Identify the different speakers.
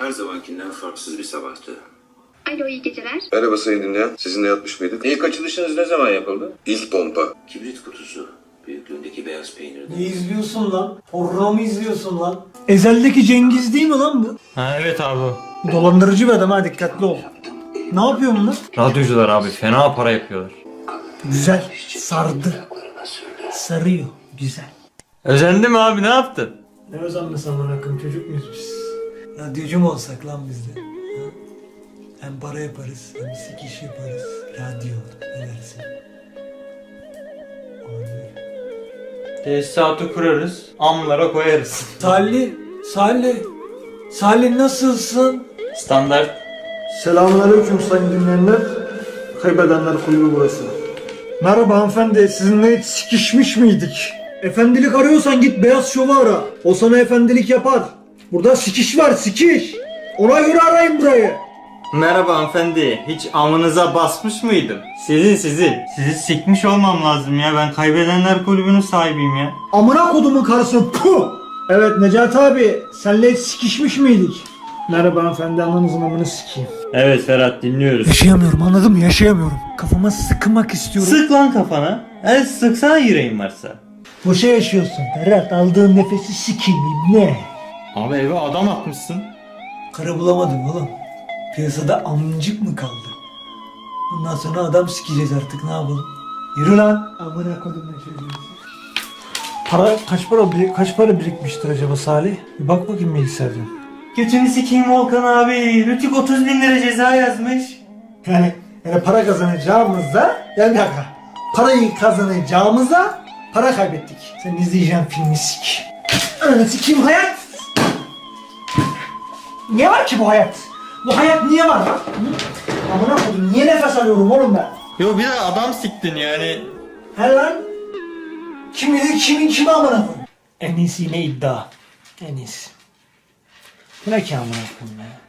Speaker 1: her zamankinden farksız bir sabahtı.
Speaker 2: Alo, iyi geceler.
Speaker 3: Merhaba sayın dinleyen. Sizinle yatmış mıydık?
Speaker 1: İlk açılışınız ne zaman yapıldı?
Speaker 3: İlk pompa.
Speaker 1: Kibrit kutusu. Büyüklüğündeki beyaz peynirden.
Speaker 4: Ne izliyorsun lan? Porno mu izliyorsun lan? Ezel'deki Cengiz değil mi lan bu?
Speaker 5: Ha evet abi.
Speaker 4: Bu dolandırıcı bir adam, ha dikkatli ol. Ne yapıyor bunlar?
Speaker 5: Radyocular abi fena para yapıyorlar.
Speaker 4: Güzel. Sardı. Sarıyor. Güzel.
Speaker 5: Özendi mi abi, ne yaptın?
Speaker 4: Ne özenmesi amına koyayım, çocuk muyuz biz? Radyocu mu olsak lan biz de? Ha? Hem para yaparız, hem sikiş yaparız. Radyo. Ne dersin? Abi.
Speaker 5: Tesisatı kurarız, amlara koyarız.
Speaker 4: Salih nasılsın?
Speaker 5: Standart.
Speaker 4: Selamünaleyküm sayın dinleyenler. Kaybedenler kulübü burası. Merhaba hanımefendi, sizinle hiç sikişmiş miydik? Efendilik arıyorsan git Beyaz Şov'u ara. O sana efendilik yapar. Burada sikiş var, sikiş. Ona göre arayın burayı.
Speaker 5: Merhaba hanımefendi, hiç amınıza basmış mıydım? Sizin. Sizi sikmiş olmam lazım ya, ben kaybedenler kulübünün sahibiyim ya.
Speaker 4: Amına kodumun karısı, puh! Evet Necati abi, senle hiç sikişmiş miydik? Merhaba hanımefendi, ananızın amını sikeyim.
Speaker 5: Evet Ferhat, dinliyoruz.
Speaker 4: Yaşayamıyorum, anladın mı? Yaşayamıyorum. Kafama sıkmak istiyorum.
Speaker 5: Sık lan kafana. Sıksana yüreğin varsa.
Speaker 4: Boşa yaşıyorsun Ferhat, aldığın nefesi sikeyim ne?
Speaker 5: Abi eve adam atmışsın.
Speaker 4: Karı bulamadım oğlum. Piyasada amcık mı kaldı? Bundan sonra adam sikeceğiz artık, ne yapalım? Yürü lan. Amına kodum ne çocuğu. Kaç para birikmiştir acaba Salih? Bir bak bakayım bilgisayardan.
Speaker 5: Götünü sikeyim Volkan abi. Rütük 30.000 lira ceza yazmış.
Speaker 4: Yani para kazanacağımızda, yani bir dakika. Parayı kazanacağımızda para kaybettik. Sen izleyeceğin filmi sik. Ananı sikeyim hayat. Niye var ki bu hayat? Bu hayat niye var lan? Hı? Amına kodum, niye nefes alıyorum oğlum ben?
Speaker 5: Yo bir de adam siktin yani.
Speaker 4: He lan? Kim bilir kimin kimi amına koyayım? En iyisi yine iddia. En iyisi. Bu ne ki amına koyayım ya?